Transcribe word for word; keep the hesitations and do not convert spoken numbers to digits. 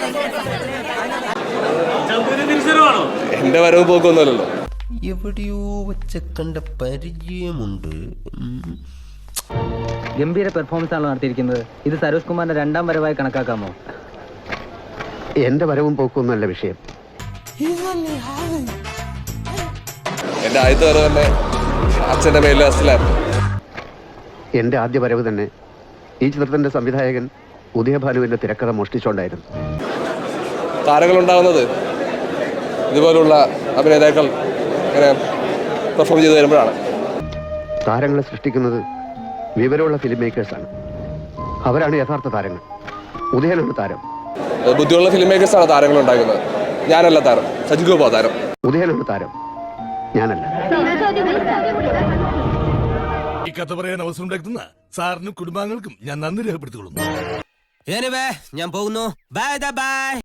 എന്റെ വരവ് പോക്കൊന്നുമല്ലല്ലോ. എവിടെയോ വെച്ച കണ്ട പരിചയമുണ്ട്. ഗംഭീര പെർഫോമൻസ് ആണല്ലോ നടത്തിയിരിക്കുന്നത്. ഇത് സരോജ് കുമാറിന്റെ രണ്ടാം വരവായി കണക്കാക്കാമോ? എന്റെ വരവും പോക്കൊന്നുമല്ല വിഷയം. എന്റെ ആദ്യത്തെ വരവ് തന്നെ അച്ഛന്റെ മേലിൽ അസിലായിരുന്നു. എന്റെ ആദ്യ വരവ് തന്നെ ഈ ചിത്രത്തിന്റെ സംവിധായകൻ ഉദയഭാനുവിന്റെ തിരക്കഥ മോഷ്ടിച്ചുകൊണ്ടായിരുന്നു. താരങ്ങൾ ഉണ്ടാകുന്നത് ഇതുപോലുള്ള അഭിനേതാക്കൾ ഇങ്ങനെ പെർഫോം ചെയ്ത് വരുമ്പോഴാണ്. താരങ്ങളെ സൃഷ്ടിക്കുന്നത് വിവരമുള്ള ഫിലിം മേക്കേഴ്സാണ്. അവരാണ് യഥാർത്ഥ താരങ്ങൾ. ഉദയനാണ് താരം. ബുദ്ധിയുള്ള ഫിലിം മേക്കേഴ്സാണ് താരങ്ങൾ ഉണ്ടാക്കുന്നത്. ഞാനല്ല താരം, സജിൻ ഗോപാ താരം. ഉദയനാണ് താരം, ഞാനല്ല. ഈ കഥ പറയാൻ അവസരം ഉണ്ടാക്കുന്ന സാറിനും കുടുംബാംഗങ്ങൾക്കും ഞാൻ നന്ദി രേഖപ്പെടുത്തിക്കൊള്ളുന്നു. ഞാൻ പോകുന്നു. Bye by.